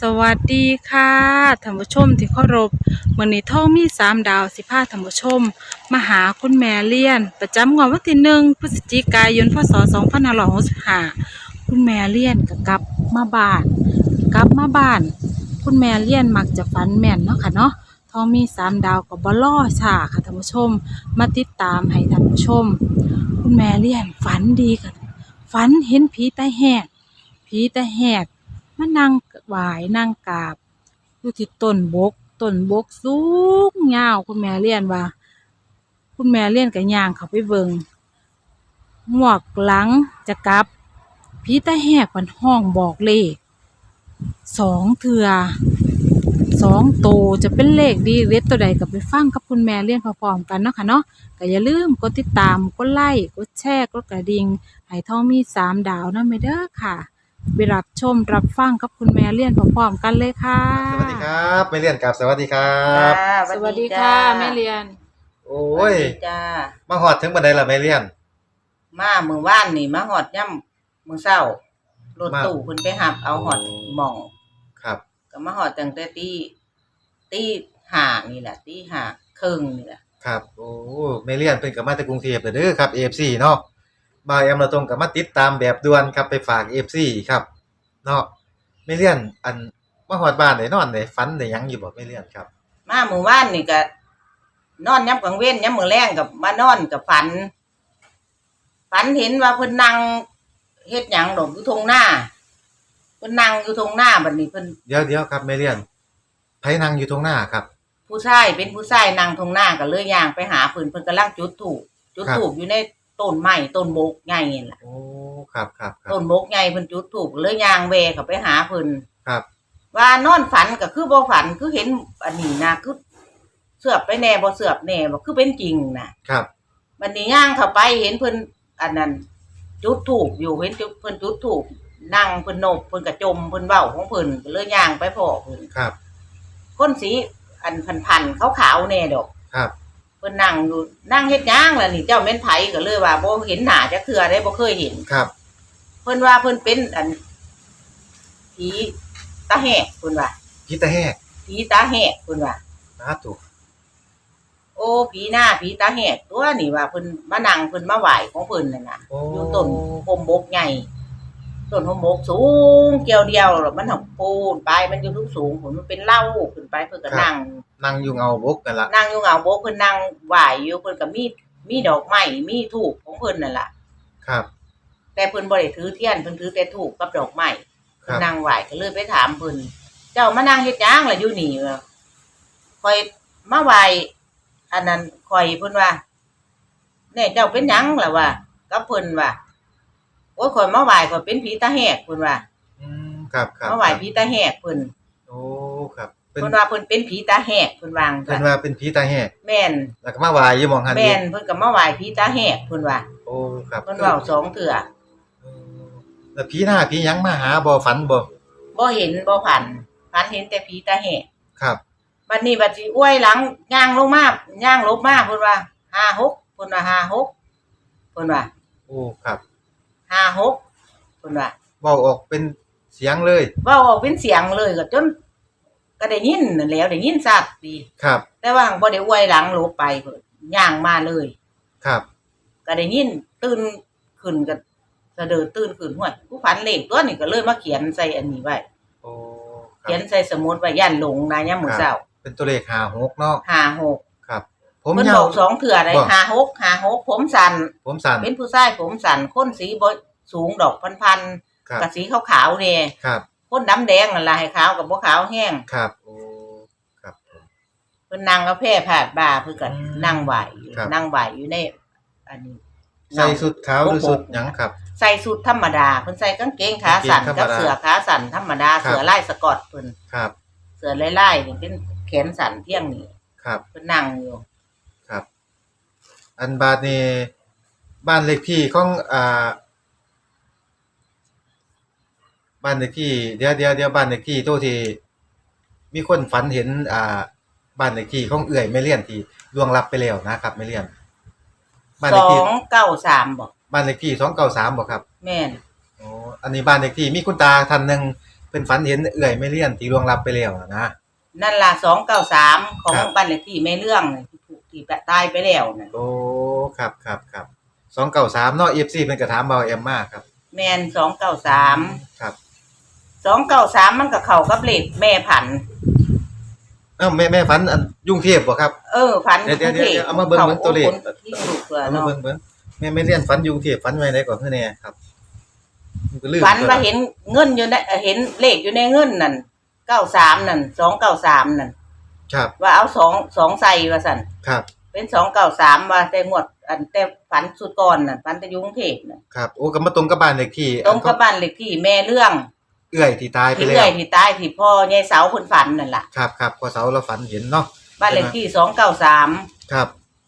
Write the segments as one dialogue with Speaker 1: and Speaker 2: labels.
Speaker 1: สวัสดีค่ะท่านผู้ชมที่เคารพมื้อนี้ท่องมี3 ดาวสิพาท่านผู้ชมมาหาคุณแม่เลี้ยนประจำงวดวันที่1พฤศจิกายนพศ2565คุณแม่เลี้ยนก็กลับมาบ้านคุณแม่เลี้ยนมักจะฝันแม่นเนาะค่ะเนาะท่องมี3 ดาวก็บ่รอช้าค่ะท่านผู้ชมมาติดตามให้ท่านผู้ชมคุณแม่เลี้ยนฝันดีค่ะฝันเห็นผีตาแหกมานั่งไหว้นั่งกราบอยู่ที่ต้นบกสูงยาวคุณแม่เลี้ยนว่า คุณแม่เลี้ยนก็ย่างเข้าไปเบิ่งงวกหลังจะกลับผีตาแหกมันห้องบอกเลข2 เทื่อ 2 โตวจะเป็นเลขดีเด็ดตัวใดก็ไปฟังกับคุณแม่เลี้ยนพร้อมๆกันเนาะค่ะเนาะก็อย่าลืมกดติดตามกดไลค์กดแชร์กดกระดิ่งให้ท่องมี3 ดาวนำเด้อค่ะไปรับชมรับฟังกับคุณแม่เลี้ยนพร้อมๆกันเลยค่ะ
Speaker 2: สวัสดีครับไม่เลี่ยนครับสวัสดีครั
Speaker 3: จ้า
Speaker 2: บ
Speaker 1: สวัสดีค่ะแม่เลี้ยน
Speaker 2: โอ้
Speaker 3: สวัส
Speaker 2: ย
Speaker 3: ดีจ้า
Speaker 2: มาหอดถึงบันไดละไม่เลี่ยน
Speaker 3: มามื้อวานนี่มาฮอดย่ำมื้อเช้ารถตู้เพิ่นไปรับเอาฮอดหม่อง
Speaker 2: ครับ
Speaker 3: ก็มาฮอดตั้งแต่ตีห้านี่แหละตีห้าครึ่งนี่แหละ
Speaker 2: ครับโอ้ไม่เลี่ยนเป็นกับมาจากกรุงเทพเด้อครับ AFC เนาะบ่าวแอมเราตรงกับมาติดตามแบบด่วนครับไปฝาก AFC ครับเนาะไม่เลี่ยนอันมาหอดบ้านได้นอนได้ฝันได้หยังอยู่บ่ไม่เลี่ยนครับ
Speaker 3: มามื้อวานนี่ก็นอนยามกลางเว้นยามมื้อแลงก็มานอนก็ฝันเห็นว่าเพิ่นนั่งเฮ็ดหยังดอกอยู่ทุ่งนาเพิ่นนั่งอยู่ทุ่งนาบัดนี้เพิ่น
Speaker 2: เดี๋ยวครับไม่เลี่ยนไผนั่งอยู่ตรงหน้าครับ
Speaker 3: ผู้ชายเป็นผู้ชายนั่งทุ่งนาก็เลยย่างไปหาเพิ่นกำลังจุดธูปอยู่ในต้นไม้ต้นบกใหญ่นี่ล่ะ
Speaker 2: โอ้ครับ
Speaker 3: ต้นบกใหญ่เพิ่นจุดธูปเลยย่างแวเข้าไปหาเพิ่น
Speaker 2: ครับ
Speaker 3: ว่านอนฝันก็คือบ่ฝันคือเห็นอันนี้นะคือเสือบไปแน่บ่เสือบแน่บ่คือเป็นจริงนะครับบัดนี้ย่างเข้าไปเห็นเพิ่นอันนั้นจุดธูปอยู่เห็นเพิ่นจุดธูปนั่งเพิ่นโนบเพิ่นก็จมเพิ่นเว้าของเพิ่นก็เลยย่างไปพ้อเพิ่น
Speaker 2: ครับ
Speaker 3: คนสีอันพันๆขาวๆแน่ดอก
Speaker 2: ครับ
Speaker 3: เพิ่นนั่งอยู่นั่งเฮ็ดหยังล่ะนี่เจ้าแม่นไผก็เลยว่าบ่เห็นหน้าจักเทื่อได้บ่เคยเห็น
Speaker 2: ครับ
Speaker 3: เพิ่นว่าเพิ่นเป็นอันผีตาแหกเพิ่นว่า
Speaker 2: ผีตาแหก
Speaker 3: ผีตาแหกเพิ่นว่า
Speaker 2: สาธุ
Speaker 3: โอ้ผีหน้าผีตาแหกตัวนี่ว่าเพิ่นมานั่งเพิ่นมาไหว้ของเพิ่นนั่นน่ะอยู่ต้นโฮมบกใหญ่ต้นโฮมบกสูงเกี่ยวเดียวแล้วมันหักปูนปลายมันอยู่สูงๆมันเป็นเล่าขึ้นไปเพิ่นก็
Speaker 2: นั่งอยู่เงาบกนั่นล่ะ
Speaker 3: นั่งอยู่เงาบกเพิ่นนั่งไหว้อยู่เพิ่นก็มีดอกไม้มีธูปของเพิ่นนั่นล่ะ
Speaker 2: ครับ
Speaker 3: แต่เพิ่นบ่ได้ถือเทียนเพิ่นถือแต่ธูปกับดอกไม้เพิ่นนั่งไหว้ก็เลยไปถามเพิ่นเจ้ามานั่งเฮ็ดหยังล่ะอยู่นี่ค่อยมาไหว้อันนั้นข่อยเพิ่นว่าแน่เจ้าเป็นหยังล่ะว่ากับเพิ่นว่าโอ้ยข่อยมาไหว้ข่อยเป็นผีตาแหกเพิ่นว่า
Speaker 2: ครับ
Speaker 3: มาไหว้ผีตาแหกเพิ่น
Speaker 2: โอ้ครับ
Speaker 3: เพิ่นว่าเพิ่นเป็นผีตาแหกเพิ่นว่า
Speaker 2: เพิ่นว่าเป็นผีตาแหก
Speaker 3: แม่น
Speaker 2: แล้วก็มาไหว้อยู่หม้องหั่น
Speaker 3: แม่นเพิ่นก็มาไหว้ผีตาแหกเพิ่นว่า
Speaker 2: โอ้ครับ
Speaker 3: เพิ่นเว้า2เทื่อ
Speaker 2: แล้วผีหน้าผีหยังมาหาบ่ฝัน
Speaker 3: บ่เห็นบ่ฝันเห็นแต่ผีตาแหก
Speaker 2: ครับ
Speaker 3: บัดนี้บัดสิอ้วยหลังย่างลงมาย่างลบมาเพิ่นว่า56เพิ่นว่า56เพิ่นว่า
Speaker 2: โอ้ครับ
Speaker 3: 56เพิ่นว่า
Speaker 2: เว้าออกเป็นเสียงเลย
Speaker 3: เว้าออกเป็นเสียงเลยก็จนก็ได้ยินนั่นแหล้วได้ยินชัดดี
Speaker 2: ครับ
Speaker 3: แต่ว่าบ่ได้อ้วยหลังลบไปเพิ่นย่างมาเลย
Speaker 2: ครับ
Speaker 3: ก็ได้ยินตื่นขึ้นก็สะเดิดตื่นขึ้นห้วยผู้ฝันเลขตัวนี้ก็เลยมาเขียนใส่อันนี้ไว้
Speaker 2: โอ้
Speaker 3: เขียนใส่สมุดไว้ย่านหลงนะยามมื้อเช้า
Speaker 2: เป็นตัวเลข56เนาะ
Speaker 3: 56
Speaker 2: ครับ
Speaker 3: ผมยาว2เทื่อได้56ผมสั้นเป็นผู้ชายผมสั้นคนสีบ่สูงดอกพันๆกับสีขาวๆแน่
Speaker 2: ครับ
Speaker 3: คนดำแดงนั่นล่ะให้ขาวกับบ่ขาวแห้ง
Speaker 2: ครับโอ้ครับ
Speaker 3: เพิ่นนั่งเอาแพร่พาดบ่าเพิ่นก็นั่งไหว้อยู่ในอันนี้
Speaker 2: ใส่สุดขาวหรือสุดหยังครับ
Speaker 3: ใส่สุดธรรมดาเพิ่นใส่กางเกงขาสั้นกับเสื้อขาสั้นธรรมดาเสื้อลายสก๊อตเพิ่น
Speaker 2: ครับ
Speaker 3: เสื้อลายๆนี่เป็นแขนสั้นเที่ยงนี่
Speaker 2: ครับ
Speaker 3: เพิ่นนั่งอยู่
Speaker 2: ครับอันบาดนี้บ้านเลขที่ของบ้านเลขที่เดี๋ยวบ้านเลขที่ตัวที่มีคนฝันเห็นบ้านเลขที่ของเอื้อยแม่เลี้ยนที่ล่วงลับไปแล้วนะครับแม่เลี้ยน
Speaker 3: บ้านเลขที่293บ่
Speaker 2: บ้านเลขที่293บ่ครับ
Speaker 3: แม่น
Speaker 2: อ๋ออันนี้บ้านเลขที่มีคุณตาท่านนึงพิ่นฝันเห็นเอื้อยแม่เลี้ยนที่ล่วงลับไปแล้วนะ
Speaker 3: นั่นล่ะ293ของ
Speaker 2: ครับ
Speaker 3: บ้านเลขที่แม่เรื่องน่ะที่ถูกที่ตายไปแล้วน่ะ
Speaker 2: โอ้ครับ293เนาะ FC เพิ่นก็ถามเบาแอมมาครับ
Speaker 3: แม่น293
Speaker 2: ครับ
Speaker 3: 293มันก็เข้ากับเลขแม่ผัน
Speaker 2: แม่ฝันอันยุ่งเทพบ่ครับ
Speaker 3: ผัน
Speaker 2: เดี๋ยวเอามาเบิ่งตัวเลข
Speaker 3: ที่ถูกเกลือ
Speaker 2: เอามา
Speaker 3: เนาะ
Speaker 2: เบิ่งแม่เลี้ยนฝันยุ่งเทพฝันไว้ไหนก่อนคือแน่ครับมันก็ลืม
Speaker 3: ฝันว่าเห็นเงินอยู่ในเห็นเลขอยู่ในเงินนั่น93นั่น293นั่น
Speaker 2: ครับ
Speaker 3: ว่าเอา2ใส่ว่าซั่น
Speaker 2: ครับ
Speaker 3: เป็น293ว่าแต่งวดอันแต่ฝันสุดก่อนน่ะฝันแต่อยู่กรุงเทพน่ะ
Speaker 2: ครับโอ้ก็มาตรงกับบ้านเลขที่
Speaker 3: ตรงกับบ้านเลขที่แม่เรื่อง
Speaker 2: เอื้อยที่ตายไป
Speaker 3: ที่
Speaker 2: แล้
Speaker 3: เอื้อ
Speaker 2: วย
Speaker 3: ที่ตายที่พ่อยายเสาเพิ่นฝันนั่นล่ะ
Speaker 2: ครับพอเสาเราฝันเห็นเนาะ
Speaker 3: บ้านเลขที่293
Speaker 2: ครับ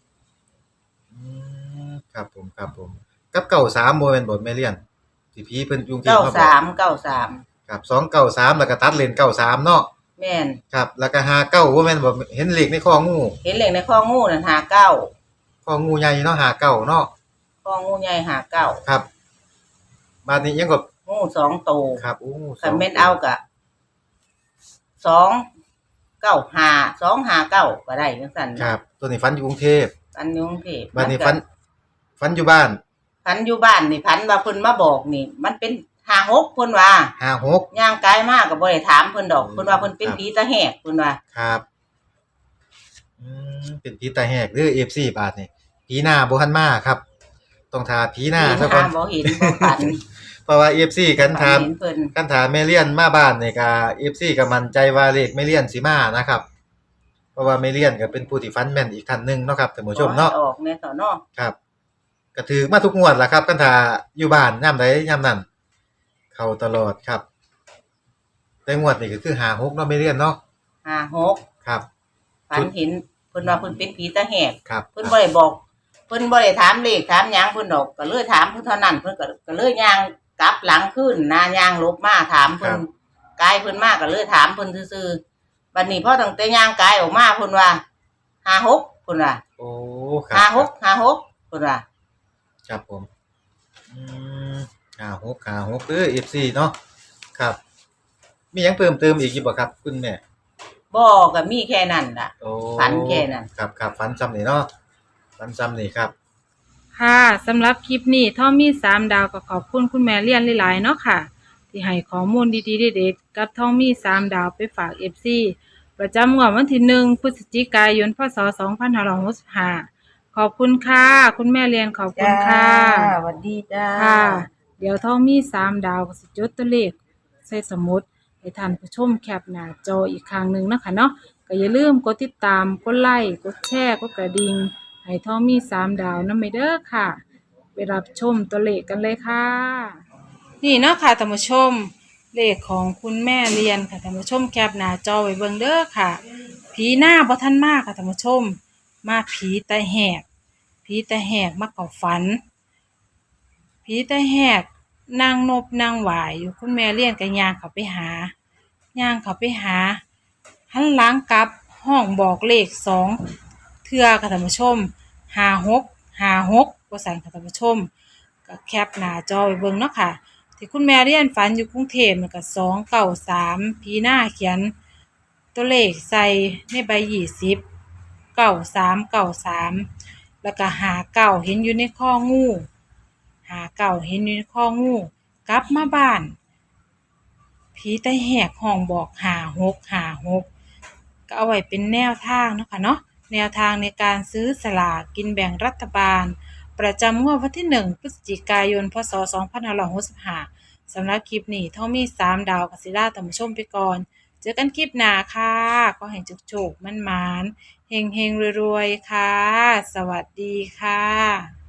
Speaker 2: ครับผมกับ93บ่แม่นบ่แม่เลี้ยนที่ผีเพิ่นยุ่งเทพมาบอก ครับ293แล้วก็ตัดเลน93เนาะ
Speaker 3: แม่น
Speaker 2: ครับแล้วก็59บ่แม่นบ่เห็นเลขในคองู
Speaker 3: เห็นเลขในข้องูนั่น59
Speaker 2: คองูใหญ่เนาะ59เนาะ
Speaker 3: ข้องูใหญ่59
Speaker 2: ครับบาดนี้ยังก็
Speaker 3: งู2ตัว
Speaker 2: ครับโอ้
Speaker 3: คันแม่นเอาก็295 259ก็ได้จังซั่น
Speaker 2: ครับตัวนี้ฝันอยู่กรุงเทพ
Speaker 3: ฝันอยู่กรุงเทพ
Speaker 2: บาดนี้ฝันอยู่บ้าน
Speaker 3: ฝันอยู่บ้านนี่ฝันว่าเพิ่นมาบอกนี่ มันเป็น56เพิ่นว่า
Speaker 2: 56
Speaker 3: ย่างกายมาก็บ่ได้ถามเพิ่นดอกเพิ่นว่าเพิ่นเป็นผีตาแหกเพิ่นว่า
Speaker 2: ครับเป็นผีตาแหกหรือ FC บาดนี่ผีหน้าบ่ทันมาครับ ต้องทาผีหน้าซะก่อน
Speaker 3: บ่เห็นบ่ฝัน
Speaker 2: เพราะว่า FC กันถาม
Speaker 3: เห็นเพิ่น
Speaker 2: กันถามแม่เลี้ยนมาบ้านนี่ก็ FC ก็มั่นใจว่าเลขแม่เลี้ยนสิมานะครับ เพราะว่าแม่เลี้ยนก็เป็นผู้ที่ฝันแม่นอีกท่านหนึงเนาะครับท่านผู้ชมเนาะ
Speaker 3: ออกแน่ต่อเนาะ
Speaker 2: ครับก็ถือมาทุกงวดล่ะครับกันถ้าอยู่บ้านยามใดยามนั้นเข้าตลอดครับ แต่งวดนี่ก็คือ56เนาะแม่เลี้ยนเนาะ
Speaker 3: 56
Speaker 2: ครับ
Speaker 3: ฝันเห็นเพิ่นว่าเพิ่นเป็นผีตาแหก
Speaker 2: ครับ
Speaker 3: เพิ่นบ่ได้บอกเพิ่นบ่ได้ถามเลขถามหยังเพิ่นดอกก็เลยถามเพิ่นเท่านั้นเพิ่นก็เลยย่างกลับหลังขึ้นนะย่างลบมาถามเพิ่นกายเพิ่นมาก็เลยถามเพิ่นซื่อๆบัดนี้พอตั้งแต่ย่างกายออกมาเพิ่นว่า56เพิ่นว่า
Speaker 2: โอ้ครับ
Speaker 3: 56เพิ่นว่า
Speaker 2: ครับผมอืม56เด้อ FC เนาะครับ มีหยังเพิ่มเติมอีกอยู่บ่ครับคุณแม่
Speaker 3: บ่ก็มีแค่นั้นล่ะ
Speaker 2: โอ้
Speaker 3: ฝันแค่นั้น
Speaker 2: ครับฝันซ้ำนี่เนาะฝันซ้ำนี่ครับ
Speaker 1: ค่ะสำหรับคลิปนี้ท่อมี3 ดาวก็ขอบคุณคุณแม่เลี้ยนหลายๆเนาะค่ะ ที่ให้ข้อมูลดีๆเด็ดๆกับท่อมี3 ดาวไปฝาก FC ประจำงวดวันที่1พฤศจิกายนพศ2565ขอบคุณค่ะ คุณแม่เลี้ยนขอบคุณค่ะ
Speaker 3: สวัสดีจ้า
Speaker 1: ค่ะ เดี๋ยวท่อมี3 ดาวก็สิจดตัวเลขใส่สมุดให้ท่านผู้ชมแคปหน้าจออีกครั้งหนึ่งนะคะเนาะก็อย่าลืมกดติดตามกดไลค์กดแชร์กดกระดิ่งให้ท่อมี3 ดาวนำไปเด้อค่ะไปรับชมตัวเลขกันเลยค่ะ นี่เนาะค่ะท่านผู้ชมเลขของคุณแม่เรียนค่ะท่านผู้ชมแคปหน้าจอไว้เบิ่งเด้อค่ะ ผีหน้าบ่ทันมากค่ะท่านผู้ชม มาผีตาแหกมาเข้าฝัน ผีตาแหกนางนบนางหวายอยู่คุณแม่เลี้ยนก็ย่างเข้าไปหาหันหลังกลับห้องบอกเลข2 เทื่อค่ะท่านผู้ชม56ว่าซั่นค่ะท่านผู้ชมก็แคปหน้าจอไว้เบิ่งเนาะค่ะ ที่คุณแม่เรียนฝันอยู่กรุงเทพมันก็293ผีหน้าเขียนตัวเลขใส่ในใบ20 93แล้วก็59เห็นอยู่ในข้องู59เห็นอยู่ในข้องูกลับมาบ้านผีตาแหกห้องบอก56ก็เอาไว้เป็นแนวทางเนาะค่ะเนาะแนวทางในการซื้อสลากกินแบ่งรัฐบาลประจำงวดวันที่1พฤศจิกายนพศ2565สำหรับคลิปนี้ท่อมี3 ดาวกับศิลาท่านผู้ชมไปก่อนเจอกันคลิปหน้าค่ะก็ให้โชคๆมั่นๆเฮงๆรวยๆค่ะสวัสดีค่ะ